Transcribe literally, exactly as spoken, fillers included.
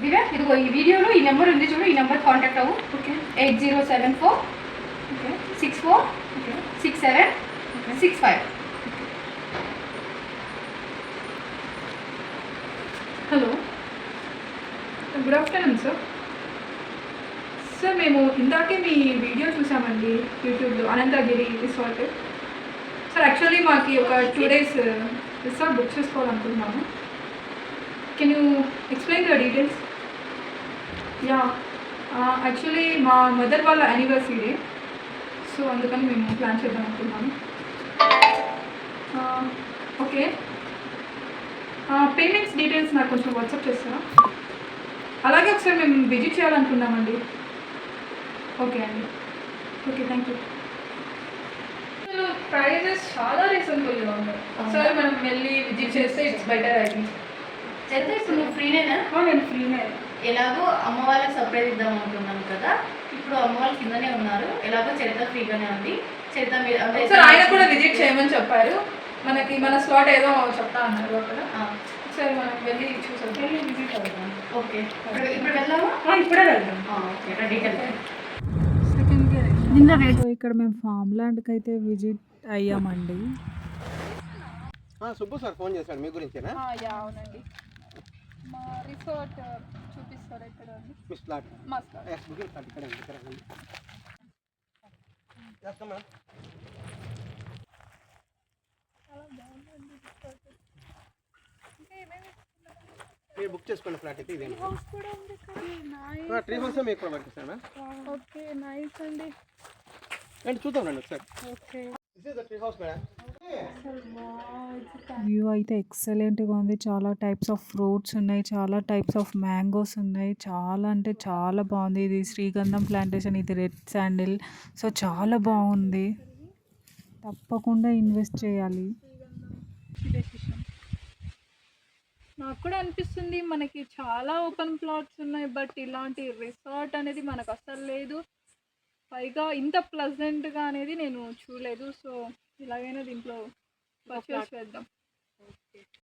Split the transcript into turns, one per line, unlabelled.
దివ్య ఇదిగో ఈ వీడియోలో ఈ నెంబర్ ఉంది చూడు, ఈ నెంబర్ కాంటాక్ట్ అవ్వు.
Okay.
Eight zero seven four
okay.
Six four
okay.
Six seven six five.
Hello, good afternoon sir. Sir మేము ఇందాకే మీ వీడియో చూసామండి యూట్యూబ్లో, అనంతగిరి రిసార్ట్. సార్ యాక్చువల్లీ మాకు ఒక టూ డేస్ రిసార్ట్ బుక్ చేసుకోవాలనుకుంటున్నాము. Can you explain your details? Ya, actually మా mother వాళ్ళ anniversary day, so అందుకని మేము ప్లాన్ చేద్దాం అనుకుంటున్నాము. ఓకే, పేమెంట్స్ డీటెయిల్స్ నాకు కొంచెం వాట్సాప్ చేస్తారా? అలాగే ఒకసారి మేము విజిట్ చేయాలనుకున్నామండి. ఓకే అండి, ఓకే, థ్యాంక్ యూ. అసలు ప్రైజెస్ చాలా రీజనబుల్గా ఉన్నాయి. ఒకసారి మనం వెళ్ళి విజిట్ చేస్తే ఇట్స్ బెటర్ అది.
చరిత్ర ఇప్పుడు నువ్వు ఫ్రీనేనా?
నేను ఫ్రీనే.
ఎలాగో అమ్మ వాళ్ళకి సర్ప్రైజ్ ఇద్దాం అనుకున్నాను కదా, ఇప్పుడు అమ్మ వాళ్ళు కిందనే ఉన్నారు, ఎలాగో చరిత్ర ఫ్రీగానే ఉంది. చరిత్ర మీరు అంటే
సార్ ఆయన కూడా విజిట్ చేయమని చెప్పారు. మనకి మన స్లాట్ ఏదో చెప్తా అన్నారు అక్కడ. సరే మనం వెళ్ళి చూసాం, వెళ్ళి విజిట్ అవుతాం.
ఓకే, ఇప్పుడు వెళ్దామా?
ఇప్పుడే వెళ్దాం.
ఓకే, రెడీగా
సెకండ్ ఇయర్.
సో ఇక్కడ మేము ఫామ్ ల్యాండ్కి అయితే విజిట్ అయ్యామండి.
సుబ్బు సార్ ఫోన్ చేశాడు మీ గురించేనా?
యా అవునండి, మా రిసార్ట్ చూపిస్తారు ఇక్కడ అండి.
మీ స్లాట్
మా స్లాట్
ఎస్ బుకింగ్ స్లాట్ ఇక్కడ ఇక్కడ రండి. చేస్తామా?
చాలా బాగుందండి రిసార్ట్. ఇంకా ఏమేమి
మీరు బుక్ చేసుకోండి ఫ్లాట్ అయితే ఇదే.
హౌస్ కూడా ఉంది ఇక్కడ.
ట్రీ హౌస్ మీకు ప్రొవైడ్ చేస్తాను.
ఓకే, నైస్ అండి.
రండి చూద్దాం రండి ఒకసారి.
Okay,
this is the tree house madam.
View అయితే ఎక్సలెంట్గా ఉంది. చాలా టైప్స్ ఆఫ్ ఫ్రూట్స్ ఉన్నాయి, చాలా టైప్స్ ఆఫ్ మ్యాంగోస్ ఉన్నాయి. చాలా అంటే చాలా బాగుంది. ఇది శ్రీగంధం ప్లాంటేషన్, ఇది రెడ్ శాండిల్. సో చాలా బాగుంది, తప్పకుండా ఇన్వెస్ట్ చేయాలి.
నాకు కూడా అనిపిస్తుంది మనకి చాలా ఓపెన్ ప్లాట్స్ ఉన్నాయి, బట్ ఇలాంటి రిసార్ట్ అనేది మనకు అసలు లేదు. పైగా ఇంత ప్లజెంట్గా అనేది నేను చూడలేదు. సో ఇలాగైనా దీంట్లో పర్చేస్ చేద్దాం.